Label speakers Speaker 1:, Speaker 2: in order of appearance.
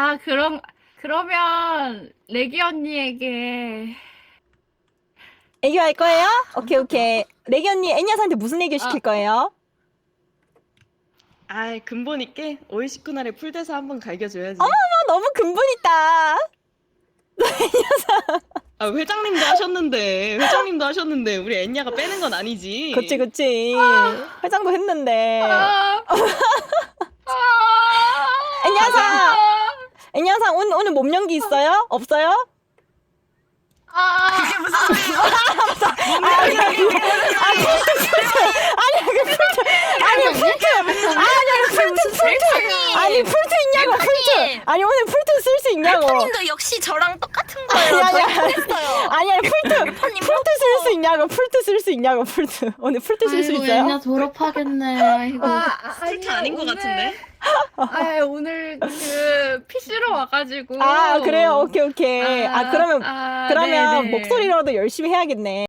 Speaker 1: 그러면 레기 언니에게
Speaker 2: 애교 할 거예요? 오케이 오케이. 레기 언니 애니아한테 무슨 애교 시킬 거예요?
Speaker 3: 아, 근본 있게 오이시쿠나를 풀대서 한번 갈겨줘야지.
Speaker 2: 너무 근본 있다.
Speaker 3: 아, 회장님도 하셨는데 우리 애냐가 빼는 건 아니지.
Speaker 2: 그치. 회장도 했는데.
Speaker 1: 아,
Speaker 2: 애니아상 애니아상 오늘 몸 연기 있어요? 없어요?
Speaker 1: 그게 무슨 소리예요?
Speaker 2: 아니 풀트 있냐고 풀트. 아니 오늘 풀트 쓸 수 있냐고.
Speaker 4: 래퍼님도 역시 저랑 똑같은 거예요.
Speaker 2: 아니,
Speaker 4: 저희
Speaker 2: 아니,
Speaker 4: 했어요.
Speaker 2: 아니 풀트 쓸 수 있냐고 풀트 오늘 풀트 쓸 수
Speaker 5: 아이고,
Speaker 2: 있어요?
Speaker 5: 애냐 졸업하겠네. 아이고.
Speaker 3: 풀트 아닌 것 같은데?
Speaker 1: 오늘 그 PC로 와가지고.
Speaker 2: 아 그래요 오케이. 그러면
Speaker 1: 네네.
Speaker 2: 목소리로도 열심히 해야겠네.